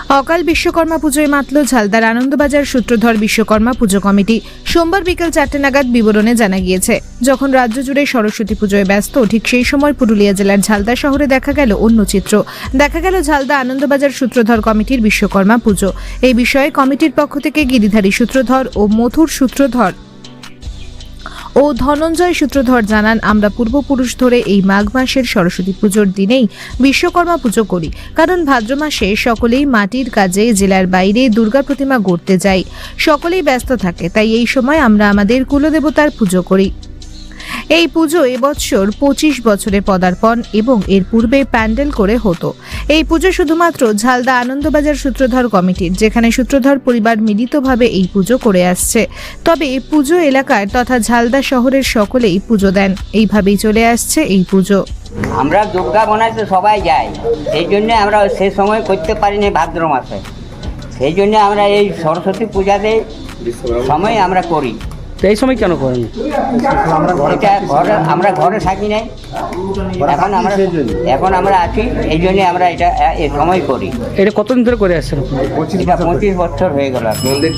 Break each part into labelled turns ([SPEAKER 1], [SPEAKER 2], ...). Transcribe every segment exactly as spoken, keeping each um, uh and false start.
[SPEAKER 1] অকাল বিশ্বকর্মা পুজোয় মাতল ঝালদার আনন্দবাজার সূত্রধর বিশ্বকর্মা পুজো কমিটি। সোমবার বিকেল চারটে নাগাদ বিবরণে জানা গিয়েছে, যখন রাজ্য জুড়ে সরস্বতী পুজোয় ব্যস্ত ঠিক সেই সময় পুরুলিয়া জেলার ঝালদা শহরে দেখা গেল অন্য চিত্র। দেখা গেল ঝালদা আনন্দবাজার সূত্রধর কমিটির বিশ্বকর্মা পুজো। এই বিষয়ে কমিটির পক্ষ থেকে গিরিধারী সূত্রধর ও মথুর সূত্রধর ও ধনঞ্জয় সূত্রধর জানান, আমরা পূর্বপুরুষ ধরে এই মাঘ মাসের সরস্বতী পুজোর দিনেই বিশ্বকর্মা পুজো করি, কারণ ভাদ্র মাসে সকলেই মাটির কাজে জেলার বাইরে দুর্গা প্রতিমা গড়তে যাই, সকলেই ব্যস্ত থাকে, তাই এই সময় আমরা আমাদের কুলদেবতার পুজো করি। এই পুজো এবছর পঁচিশ বছরে পদার্পণ এবং এর পূর্বে প্যান্ডেল করে হতো। এই পুজো শুধুমাত্র ঝালদা আনন্দবাজার সূত্রধর কমিটির, যেখানে সূত্রধর পরিবার মিলিতভাবে এই পুজো করে আসছে। তবে পুজো এলাকার তথা ঝালদা শহরের সকলেই পুজো দেন, এইভাবেই চলে আসছে এই পুজো।
[SPEAKER 2] আমরা দুর্গা বানাইতে সবাই যাই, সেই জন্য আমরা সে সময় করতে পারিনি ভাদ্র মাসে, সেই জন্য আমরা এই সরস্বতী পূজাতে সময় আমরা করি।
[SPEAKER 3] এই সময় কেন করেন?
[SPEAKER 2] আমরা ঘরে আমরা ঘরে থাকি নাই, এখন আমরা এখন আমরা আছি, এই জন্য আমরা এটা এই সময় করি।
[SPEAKER 3] এটা কতদিন ধরে করে আসছেন?
[SPEAKER 2] এটা পঁচিশ বছর হয়ে গেল।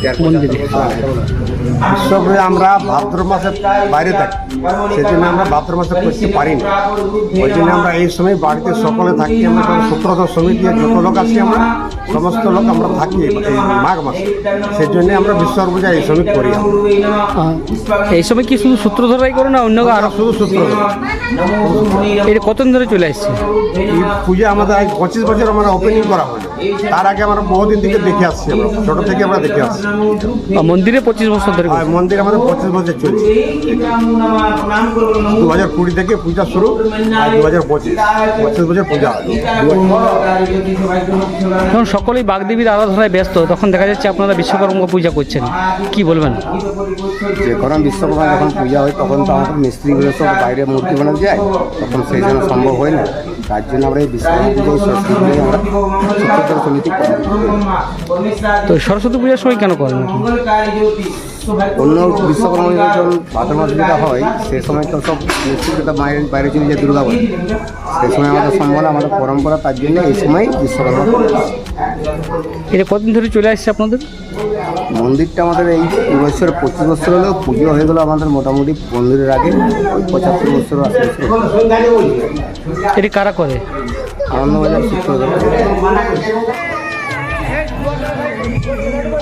[SPEAKER 4] উৎসবে আমরা ভাদ্র মাসে বাইরে থাকি, সেই জন্য আমরা ভাদ্র মাসে করতে পারি না। ওই জন্য আমরা এই সময় বাড়িতে সকলে থাকি। আমরা সূত্রধর সমিতি যত লোক আছি, আমরা সমস্ত লোক আমরা থাকি এই মাঘ মাসে, সেই জন্য আমরা বিশ্বকর্মা পূজা এই সময় করি।
[SPEAKER 3] এই সময় কি শুধু সূত্রধরাই করে না অন্য আরো?
[SPEAKER 4] শুধু সূত্রধর।
[SPEAKER 3] এটা কতদিন ধরে চলে আসছে
[SPEAKER 4] এই পূজা? আমাদের আজ পঁচিশ বছর আমরা ওপেনিং করা হলো। তার আগে আমরা বহুদিন থেকে দেখে আসছি, আমরা ছোট থেকে আমরা দেখে আসছি।
[SPEAKER 3] মন্দিরে পঁচিশ বছর ধরে?
[SPEAKER 4] মন্দির আমাদের পঁচিশ বছর চলছে। দু হাজার কুড়ি থেকে পূজা শুরু, আর দু হাজার পঁচিশ পঁচিশ বছর পূজা।
[SPEAKER 3] যখন সকলেই বাগদেবীর আরাধনায় ব্যস্ত, তখন দেখা যাচ্ছে আপনারা বিশ্বকর্মা পূজা করছেন, কি বলবেন?
[SPEAKER 5] যে কারণ বিশ্বকর্মা যখন পূজা হয় তখন তো আমাদের মিস্ত্রিগুলো সব বাইরে মূর্তি বানাতে যায়, তখন সেই জন্য সম্ভব হয় না। তার জন্য আমরা এই বিশ্বকর্মা পুজো সরস্বতী পুজো আমরা সূত্রধর সমিতি করি।
[SPEAKER 3] তো সরস্বতী পূজার সময় কেন করেন?
[SPEAKER 5] অন্য বিশ্বকর্মা যখন ভাদ্র মাস যেটা হয়, সে সময় তো সব মিস্ত্রিটা বাইরে বাইরে চলে যায় দুর্গা পুজো, সেই সময় আমাদের সম্ভব না, আমাদের পরম্পরা, তার জন্য এই সময় বিশ্বকর্মা।
[SPEAKER 3] এটা কতদিন ধরে চলে আসছে আপনাদের?
[SPEAKER 5] মন্দিরটা আমাদের এই বছর পঁচিশ বছর হলেও পুজো হয়ে গেলো আমাদের মোটামুটি মন্দিরের আগে ওই পঁচাত্তর বছর আশি বছর।
[SPEAKER 3] এটি কারা করে?
[SPEAKER 5] আনন্দবাজার সূত্রধর।